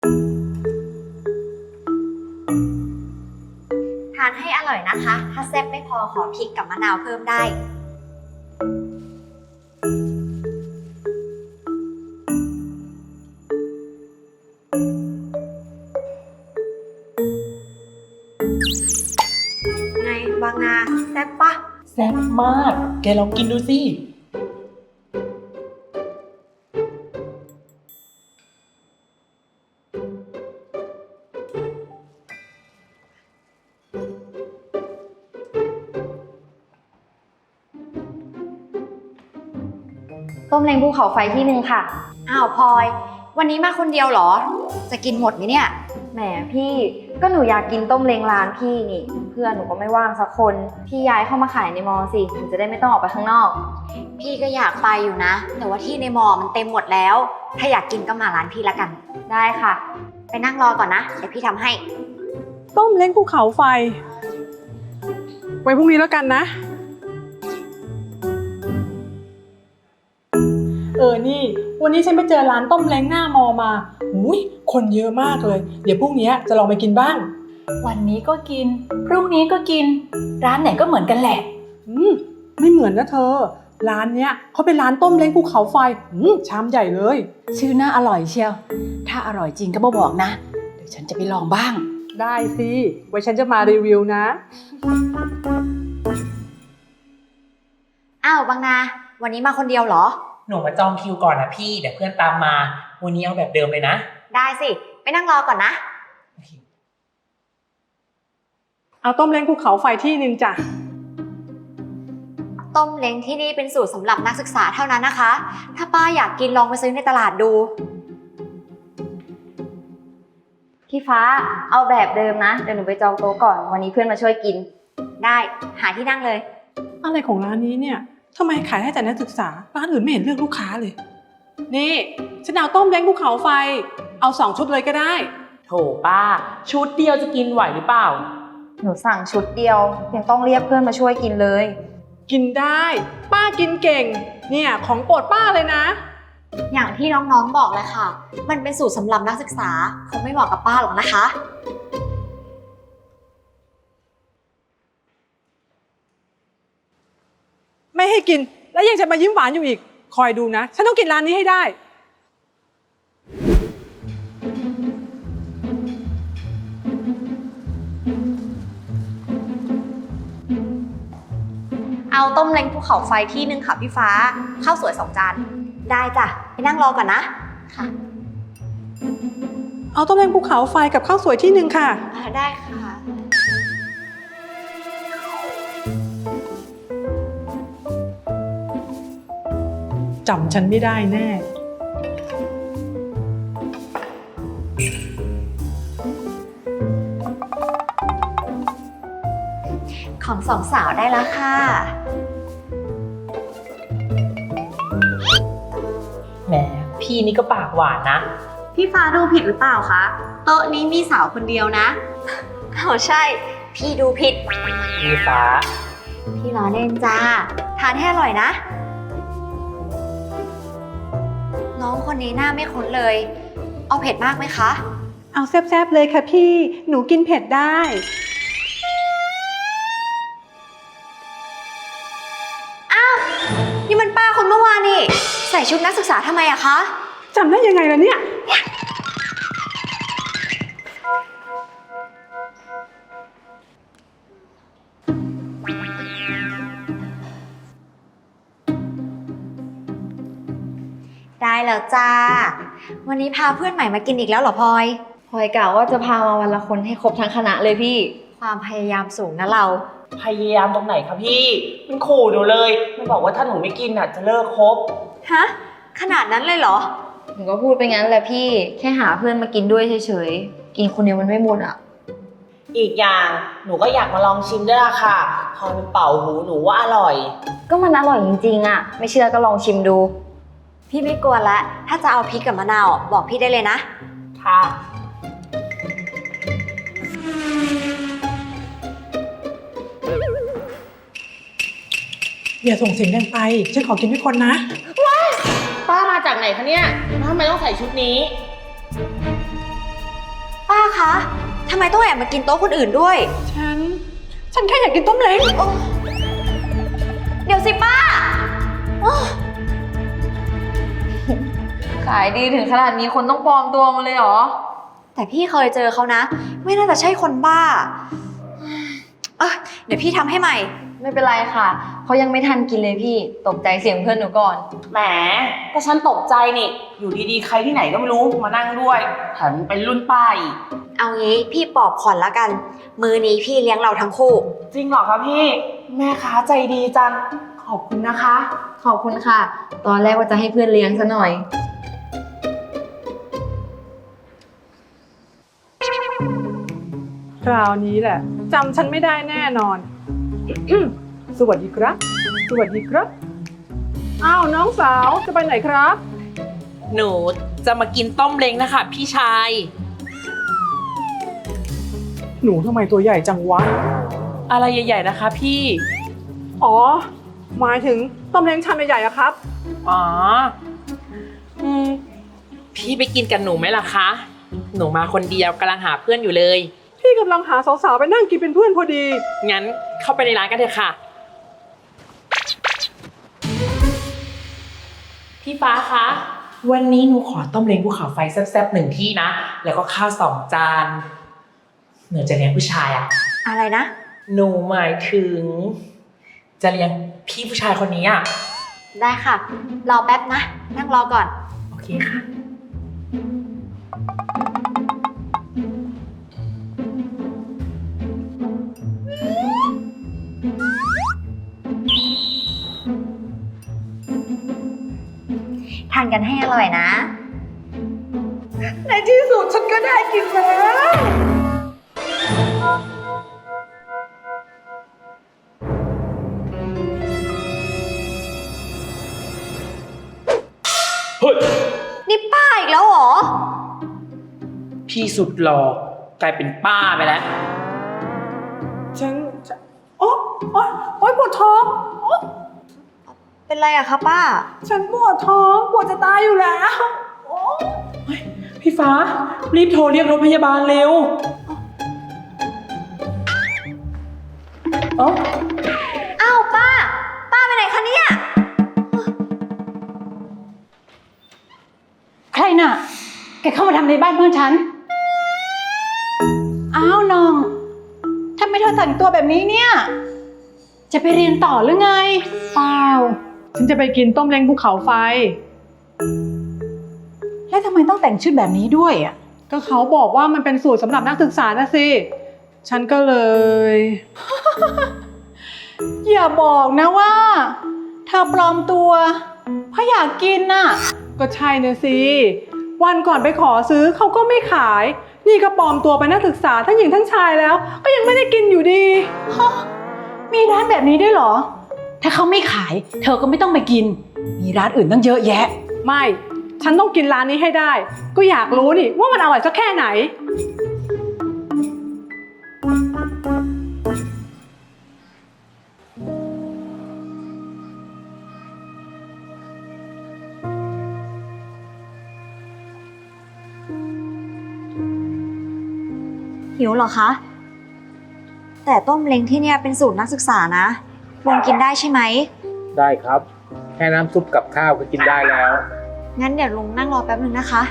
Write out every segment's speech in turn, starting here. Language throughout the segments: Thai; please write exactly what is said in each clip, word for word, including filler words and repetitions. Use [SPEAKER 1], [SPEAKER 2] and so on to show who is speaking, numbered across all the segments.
[SPEAKER 1] ทานให้อร่อยนะคะ ถ้าแซ่บไม่พอขอพริกกับมะนาวเพิ่มได้ไงบางนาแซ่บปะ
[SPEAKER 2] แซ่บมาก แกลองกินดูสิ
[SPEAKER 3] ต้มเล้งภูเขาไฟที่หนึ่งค่ะ
[SPEAKER 1] อ้าวพลอยวันนี้มาคนเดียวเหรอจะกินหมดไหมเนี่ย
[SPEAKER 3] แหมพี่ก็หนูอยากกินต้มเล้งร้านพี่นี่เพื่อนหนูก็ไม่ว่างสักคนพี่ย้ายเข้ามาขายในมอสิหนูจะได้ไม่ต้องออกไปข้างนอก
[SPEAKER 1] พี่ก็อยากไปอยู่นะแต่ว่าที่ในมอมันเต็มหมดแล้วถ้าอยากกินก็มาร้านพี่ละกัน
[SPEAKER 3] ได้ค่ะ
[SPEAKER 1] ไปนั่งรอก่อนนะเดี๋ยวพี่ทำให้
[SPEAKER 4] ต้มเล้งภูเขาไฟไว้พรุ่งนี้แล้วกันนะเออนี่วันนี้ฉันไปเจอร้านต้มเล้งหน้ามอมาอุ้ยคนเยอะมากเลยเดี๋ยวพรุ่งนี้จะลองไปกินบ้าง
[SPEAKER 2] วันนี้ก็กินพรุ่งนี้ก็กินร้านไหนก็เหมือนกันแหละ
[SPEAKER 4] อืมไม่เหมือนนะเธอร้านเนี้ยเขาเป็นร้านต้มเล้งภูเขาไฟอืมชามใหญ่เลย
[SPEAKER 2] ชื่อน่าอร่อยเชียวถ้าอร่อยจริงก็มาบอกนะเดี๋ยวฉันจะไปลองบ้าง
[SPEAKER 4] ได้สิไว้ฉันจะมารีวิวนะ
[SPEAKER 1] อ้าวบางนาวันนี้มาคนเดียวเหรอ
[SPEAKER 5] หนูมาจองคิวก่อนนะพี่เดี๋ยวเพื่อนตามมาวันนี้เอาแบบเดิมเลยนะ
[SPEAKER 1] ได้สิไปนั่งรอก่อนนะ
[SPEAKER 4] เอาต้มเล้งภูเขาไฟที่นึงจ้ะ
[SPEAKER 1] ต้มเล้งที่นี่เป็นสูตรสำหรับนักศึกษาเท่านั้นนะคะถ้าป้าอยากกินลองไปซื้อในตลาดดู
[SPEAKER 3] พี่ฟ้าเอาแบบเดิมนะเดี๋ยวหนูไปจองโต๊ะก่อนวันนี้เพื่อนมาช่วยกิน
[SPEAKER 1] ได้หาที่นั่งเลย
[SPEAKER 4] อะไรของร้านนี้เนี่ยทำไมขายให้แต่นักศึกษาร้านอื่นไม่เห็นเลือกลูกค้าเลยนี่ฉันเอาต้มเล้งภูเขาไฟเอาสองชุดเลยก็ได้
[SPEAKER 5] โถป้าชุดเดียวจะกินไหวหรือเปล่า
[SPEAKER 3] หนูสั่งชุดเดียวยังต้องเรียกเพื่อนมาช่วยกินเลย
[SPEAKER 4] กินได้ป้ากินเก่งเนี่ยของโปรดป้าเลยนะ
[SPEAKER 1] อย่างที่น้องๆบอกเลยค่ะมันเป็นสูตรสำหรับนักศึกษาคงไม่เหมาะกับป้าหรอกนะคะ
[SPEAKER 4] ไม่ให้กินแล้วยังจะมายิ้มหวานอยู่อีกคอยดูนะฉันต้องกินร้านนี้ให้ได้
[SPEAKER 1] เอาต้มเล้งภูเขาไฟที่หนึ่งค่ะพี่ฟ้าข้าวสวยสองจานได้จ้ะไปนั่งรอก่อนนะค่ะ
[SPEAKER 4] เอาต้มเล้งภูเขาไฟกับข้าวสวยที่หนึ่งค่ะ
[SPEAKER 1] ได้ค่ะ
[SPEAKER 4] จำฉันไม่ได้แน่
[SPEAKER 1] ของสองสาวได้แล้วค่ะ
[SPEAKER 5] แหมพี่นี่ก็ปากหวานนะ
[SPEAKER 1] พี่ฟ้าดูผิดหรือเปล่าคะโต๊ะนี้มีสาวคนเดียวนะอ้าวใช่พี่ดูผิด
[SPEAKER 5] พี่ฟ้า
[SPEAKER 1] พี่ล้อเล่นจ้าทานให้อร่อยนะน้องคนนี้หน้าไม่คุ้นเลยเอาเผ็ดมากไหมคะ
[SPEAKER 4] เอาแซ่บๆเลยค่ะพี่หนูกินเผ็ดได้
[SPEAKER 1] อ้าวนี่มันป้าคนเมื่อวานนี่ใส่ชุดนักศึกษาทำไมอะคะ
[SPEAKER 4] จำได้ยังไงล่ะเนี่ย
[SPEAKER 1] ได้แล้วจ้าวันนี้พาเพื่อนใหม่มากินอีกแล้วเหรอพลอย
[SPEAKER 3] พลอยกล่าวว่าจะพามาวันละคนให้ครบทั้งคณะเลยพี่
[SPEAKER 1] ความพยายามสูงนะเรา
[SPEAKER 5] พยายามตรงไหนคะพี่มันขู่หนูเลยมันบอกว่าถ้าหนูไม่กินอ่ะจะเลิกคบ
[SPEAKER 1] ฮะขนาดนั้นเลยเหรอ
[SPEAKER 3] หนูก็พูดไปงั้นแหละพี่แค่หาเพื่อนมากินด้วยเฉยๆกินคนเดียวมันไม่หมดอ่ะ
[SPEAKER 5] อีกอย่างหนูก็อยากมาลองชิมด้วยล่ะค่ะพอมันเป่าหูหนูว่าอร่อย
[SPEAKER 3] ก็มันอร่อยจริงๆอ่ะไม่เชื่อก็ลองชิมดู
[SPEAKER 1] พี่ไม่กลัวละถ้าจะเอาพริกกับมะนาวบอกพี่ได้เลยนะ
[SPEAKER 5] ค่ะ
[SPEAKER 4] อย่าส่งเสียงดังไปฉันขอกินด้วยคนนะ
[SPEAKER 5] ว้ายป้ามาจากไหนคะเนี่ยทำไมต้องใส่ชุดนี้
[SPEAKER 1] ทำไมต้องแอบมากินโต๊ะคนอื่นด้วย
[SPEAKER 4] ฉัน ฉันแค่อยากกินต้มเล้ง
[SPEAKER 1] เดี๋ยวสิป้า
[SPEAKER 3] ขายดีถึงขนาดนี้คนต้องปลอมตัวมาเลยเหรอ
[SPEAKER 1] แต่พี่เคยเจอเขานะ ไม่น่าจะใช่คนบ้าเออเดี๋ยวพี่ทำให้ใหม่
[SPEAKER 3] ไม่เป็นไรค่ะ เขายังไม่ทันกินเลยพี่ ตกใจเสียงเพื่อนหนูก่อน
[SPEAKER 5] แหมก็ฉันตกใจนี่ อยู่ดีๆ ใครที่ไหนก็ไม่รู้มานั่งด้วยแถมเป็นรุ่นป้าอีก
[SPEAKER 1] เอางี้พี่ปอบขอนละกัน มือนี้พี่เลี้ยงเราทั้งคู่
[SPEAKER 5] จริงเหรอคะพี่ แม่ค้าใจดีจัง ขอบคุณนะคะ
[SPEAKER 3] ขอบคุณค่ะ ตอนแรกว่าจะให้เพื่อนเลี้ยงซะหน่อย
[SPEAKER 4] คราวนี้แหละจำฉันไม่ได้แน่นอน สวัสดีครับ สวัสดีครับ อ้าวน้องสาวจะไปไหนครับ
[SPEAKER 6] หนูจะมากินต้มเล้งนะคะพี่ชาย
[SPEAKER 4] หนูทำไมตัวใหญ่จังวะ
[SPEAKER 6] อะไรใหญ่ๆนะคะพี่
[SPEAKER 4] อ๋อ หมายถึงต้มเล้งชามใหญ่ๆอะครับ
[SPEAKER 6] อ๋อ อืม พี่ไปกินกับหนูไหมล่ะคะ หนูมาคนเดียวกำลังหาเพื่อนอยู่เลย
[SPEAKER 4] พี่กำลังหาสาวๆไปนั่งกินเป็นเพื่อนพอดี
[SPEAKER 6] งั้นเข้าไปในร้านกันเถอะค่ะ พี่ฟ้าคะ วันนี้หนูขอต้มเล้งภูเขาไฟแซ่บๆหนึ่งที่นะ แล้วก็ข้าวสองจาน หนูจะเลี้ยงผู้ชายอะ
[SPEAKER 1] อะไรนะ
[SPEAKER 6] หนูหมายถึง จะเลี้ยงพี่ผู้ชายคนนี้อะ
[SPEAKER 1] ได้ค่ะ รอแป๊บนะ นั่งรอก่อน
[SPEAKER 6] โอเคค่ะ
[SPEAKER 1] ทานกันให้อร่อยนะ
[SPEAKER 4] ในที่สุดฉันก็ได้กินแล้ว
[SPEAKER 6] เฮ้ย
[SPEAKER 1] นี่ป้าอีกแล้วเหรอ
[SPEAKER 6] พี่สุดหล่อกลายเป็นป้าไปแล้ว
[SPEAKER 4] ฉันจะโอ๊ยโอ๊ยโอ๊ยปวดท้องโอ๊ย
[SPEAKER 1] เป็นไรอะคะป้า
[SPEAKER 4] ฉันปวดท้องปวดจะตายอยู่แล้วโอ๊ย
[SPEAKER 6] พี่ฟ้า รีบโทรเรียกรถพยาบาลเร็ว เอ้า
[SPEAKER 1] อ้าวป้า ป้าไปไหนคะเนี่ย
[SPEAKER 2] ใครน่ะ แกเข้ามาทำในบ้านเพื่อนฉัน อ้าวน้องทำไมเธอแต่งตัวแบบนี้เนี่ย จะไปเรียนต่อหรือไง
[SPEAKER 4] เปล่าฉันจะไปกินต้มเล้งภูเขาไฟ
[SPEAKER 2] แล้วทำไมต้องแต่งชุดแบบนี้ด้วยอ่ะ
[SPEAKER 4] ก็เขาบอกว่ามันเป็นสูตรสำหรับนักศึกษานะสิ ฉันก็เลย
[SPEAKER 2] อย่าบอกนะว่าเธอปลอมตัวเพราะอยากกินน่ะ
[SPEAKER 4] ก็ใช่นะสิ วันก่อนไปขอซื้อเขาก็ไม่ขาย นี่ก็ปลอมตัวเป็นนักศึกษาทั้งหญิงทั้งชายแล้ว ก็ยังไม่ได้กินอยู่ดี
[SPEAKER 2] ฮะมีร้านแบบนี้ด้วยเหรอ ถ้าเขาไม่ขาย เธอก็ไม่ต้องไปกิน มีร้านอื่นตั้งเยอะแยะ
[SPEAKER 4] ไม่ ฉันต้องกินร้านนี้ให้ได้ ก็อยากรู้นี่ว่ามันอร่อยสักแค่ไหน
[SPEAKER 1] หิวเหรอคะ แต่ต้มเล้งที่เนี่ยเป็นสูตรนักศึกษานะลงกินได้ใช่ไหม
[SPEAKER 7] ได้ครับ แค่น้ำซุปกับข้าวก็กินได้แล้ว
[SPEAKER 1] งั้นเดี๋ยวลุงนั่งรอแป๊บนึงนะคะ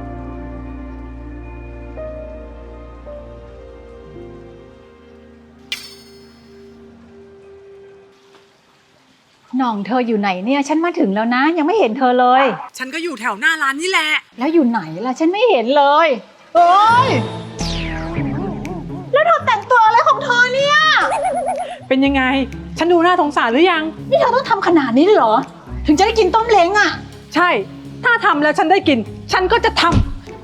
[SPEAKER 2] น้องเธออยู่ไหนเนี่ย ฉันมาถึงแล้วนะ ยังไม่เห็นเธอเลย
[SPEAKER 4] ฉันก็อยู่แถวหน้าร้านนี่แหละ
[SPEAKER 2] แล้วอยู่ไหนล่ะ ฉันไม่เห็นเลยเอ้ยแล้วเธอแต่งตัวอะไรของเธอเนี่ย
[SPEAKER 4] เป็นยังไง ฉันดูน่าสงสารหรือยัง
[SPEAKER 2] นี่เธอต้องทำขนาดนี้เลยเหรอ ถึงจะได้กินต้มเล้งอ่ะ
[SPEAKER 4] ใช่ ถ้าทำแล้วฉันได้กิน ฉันก็จะทำ
[SPEAKER 2] โอ้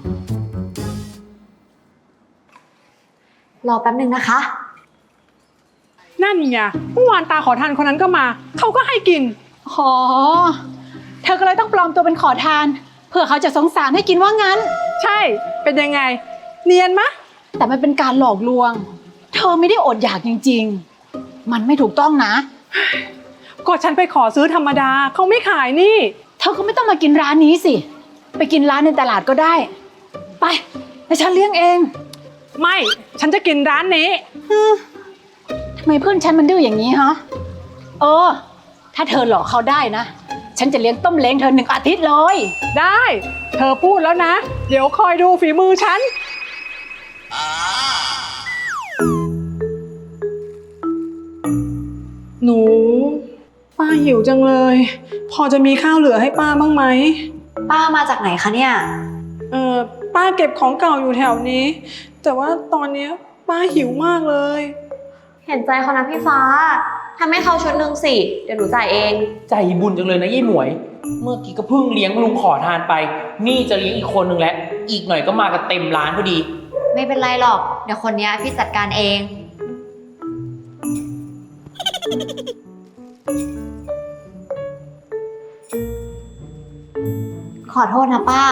[SPEAKER 1] รอแป๊บนึงนะคะ
[SPEAKER 4] นั่นไงเมื่อวานตาขอทานคนนั้นก็มา เขาก็ให้กิน
[SPEAKER 2] ขอ เธอก็เลยต้องปลอมตัวเป็นขอทาน เพื่อเขาจะสงสารให้กินว่างั้น
[SPEAKER 4] ใช่ เป็นยังไง เนียนมะ
[SPEAKER 2] แต่มันเป็นการหลอกลวง เธอไม่ได้อดอยากจริงๆ มันไม่ถูกต้องนะ
[SPEAKER 4] ก็ฉันไปขอซื้อธรรมดา เขาไม่ขายนี่
[SPEAKER 2] เธอก็ไม่ต้องมากินร้านนี้สิ ไปกินร้านในตลาดก็ได้ ไปแต่ฉันเลี้ยงเอง
[SPEAKER 4] ไม่ ฉันจะกินร้านนี้
[SPEAKER 2] ทำไมเพื่อนฉันมันดื้ออย่างนี้ฮะ เออ ถ้าเธอหลอกเขาได้นะ ฉันจะเลี้ยงต้มเล้งเธอหนึ่งอาทิตย์เลย
[SPEAKER 4] ได้ เธอพูดแล้วนะ เดี๋ยวคอยดูฝีมือฉัน หนู ป้าหิวจังเลย พอจะมีข้าวเหลือให้ป้าบ้างไหม
[SPEAKER 1] ป้ามาจากไหนคะเนี่ย
[SPEAKER 4] เออป้าเก็บของเก่าอยู่แถวนี้ แต่ว่าตอนเนี้ยป้าหิวมากเลย
[SPEAKER 1] เห็นใจเขานะพี่ฟ้าทำให้เขาชุดหนึ่งสิ เดี๋ยวหนูจ่ายเอง
[SPEAKER 6] ใจบุญจังเลยนะยี่หมวย เมื่อกี้ก็เพิ่งเลี้ยงลุงขอทานไป นี่จะเลี้ยงอีกคนนึงแล้ว อีกหน่อยก็มากันเต็มร้านพอดี
[SPEAKER 1] ไม่เป็นไรหรอก เดี๋ยวคนเนี้ยพี่จัดการเอง ขอโทษนะป้า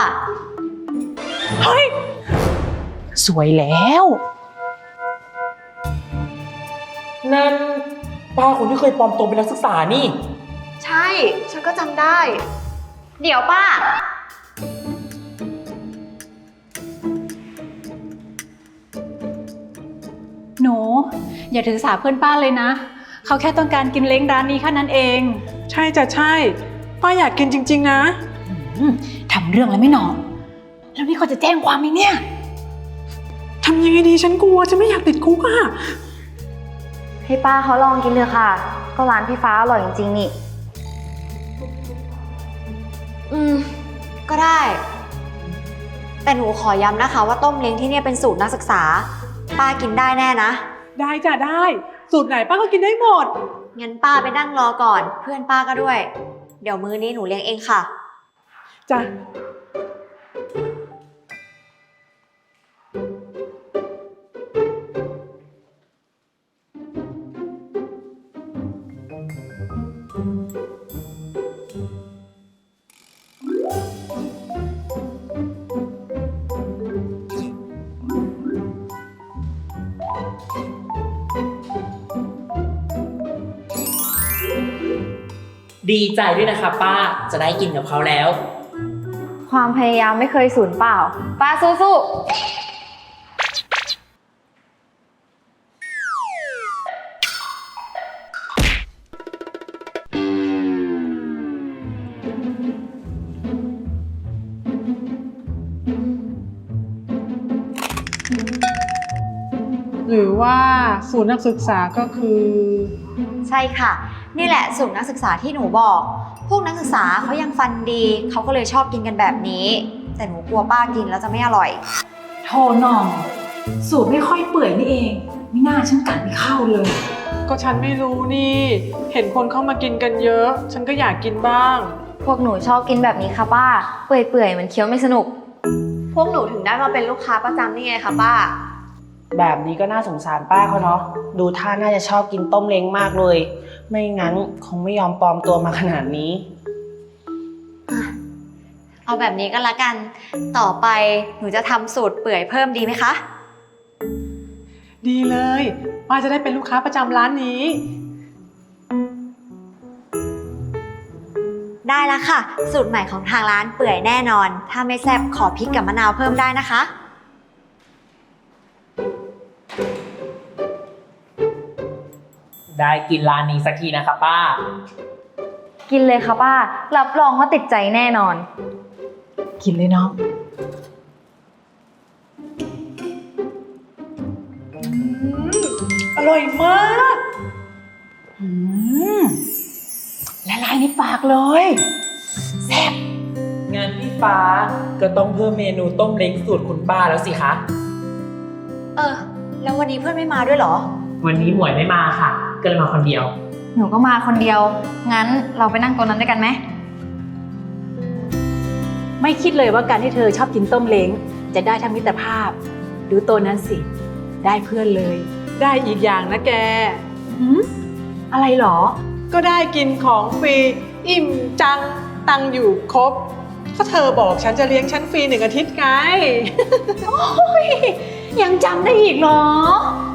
[SPEAKER 2] สวยแล้ว
[SPEAKER 6] นั่นป้าคนที่เคยปลอมตัวเป็นนักศึกษานี่
[SPEAKER 1] ใช่ ฉันก็จำได้ เดี๋ยวป้า
[SPEAKER 2] หนู อย่าถือสาเพื่อนป้าเลยนะ เขาแค่ต้องการกินเล้งร้านนี้แค่นั้นเอง
[SPEAKER 4] ใช่จ้ะใช่ ป้าอยากกินจริงๆนะ
[SPEAKER 2] อืมทำเรื่องอะไรไม่หนอแล้วนี่เขาจะแจ้งความไหมเนี่ย
[SPEAKER 4] ทำยังไงดีฉันกลัวจะไม่อยากติดคุกอะ
[SPEAKER 3] ให้ป้าเขาลองกินเลยค่ะ ก็ร้านพี่ฟ้าอร่อยจริงๆนี่
[SPEAKER 1] อืม ก็ได้ แต่หนูขอย้ำนะคะว่าต้มเล้งที่เนี่ยเป็นสูตรนักศึกษา ป้ากินได้แน่นะ
[SPEAKER 4] ได้จ้ะได้ สูตรไหนป้าก็กินได้หมด
[SPEAKER 1] งั้นป้าไปนั่งรอก่อน เพื่อนป้าก็ด้วย เดี๋ยวมื้อนี้หนูเลี้ยงเองค่ะ
[SPEAKER 4] จ้ะ
[SPEAKER 6] ดีใจด้วยนะคะป้า จะได้กินกับเขาแล้ว
[SPEAKER 3] ความพยายามไม่เคยสูญเปล่า ป้าสู้ๆ
[SPEAKER 4] หรือว่าสูตรนักศึกษาก็คือ
[SPEAKER 1] ใช่ค่ะ นี่แหละสูตรนักศึกษาที่หนูบอก พวกนักศึกษาเขายังฟันดีเขาก็เลยชอบกินกันแบบนี้ แต่หนูกลัวป้ากินแล้วจะไม่อร่อย
[SPEAKER 2] โทหน่อง สูตรไม่ค่อยเปื่อยนี่เองไม่น่าฉันกัดไม่เข้าเลย
[SPEAKER 4] ก็ฉันไม่รู้นี่ เห็นคนเข้ามากินกันเยอะ ฉันก็อยากกินบ้าง
[SPEAKER 3] พวกหนูชอบกินแบบนี้ค่ะป้า เปื่อยๆเหมือนเคี้ยวไม่สนุก
[SPEAKER 1] พวกหนูถึงได้มาเป็นลูกค้าประจำนี่ไงคะป้า
[SPEAKER 5] แบบนี้ก็น่าสงสารป้าเขาเนาะ ดูท่าน่าจะชอบกินต้มเล้งมากเลย ไม่งั้นคงไม่ยอมปลอมตัวมาขนาดนี้
[SPEAKER 1] เอาแบบนี้ก็แล้วกัน ต่อไปหนูจะทำสูตรเปื่อยเพิ่มดีไหมคะ
[SPEAKER 4] ดีเลยป้าจะได้เป็นลูกค้าประจำร้านนี้
[SPEAKER 1] ได้แล้วค่ะ สูตรใหม่ของทางร้านเปื่อยแน่นอน ถ้าไม่แซ่บขอพริกกับมะนาวเพิ่มได้นะคะ
[SPEAKER 6] ได้กินร้านนี้สักทีนะคะป้า
[SPEAKER 3] กินเลยค่ะป้า รับรองว่าติดใจแน่นอน
[SPEAKER 2] กินเลยน้อง
[SPEAKER 4] อร่อยมาก
[SPEAKER 2] อืมละลายในปากเลย แซ่บ
[SPEAKER 6] งานพี่ฟ้าก็ต้องเพิ่มเมนูต้มเล้งสูตรคุณป้าแล้วสิคะ
[SPEAKER 1] เออ แล้ววันนี้เพื่อนไม่มาด้วยเหรอ
[SPEAKER 6] วันนี้หมวยไม่มาค่ะ ก็เลยมาคนเดียว
[SPEAKER 3] หนูก็มาคนเดียว งั้นเราไปนั่งโต๊ะนั้นด้วยกันไหม
[SPEAKER 2] ไม่คิดเลยว่าการที่เธอชอบกินต้มเล้งจะได้ทั้งมิตรภาพ ดูตัวนั้นสิ ได้เพื่อนเลย
[SPEAKER 4] ได้อีกอย่างนะแก
[SPEAKER 2] หืมอะไรหรอ
[SPEAKER 4] ก็ได้กินของฟรี อิ่มจัง ตังค์อยู่ครบ ก็เธอบอกฉันจะเลี้ยงฉันฟรีหนึ่งอาทิตย์ไง
[SPEAKER 2] ยังจำได้อีกเหรอ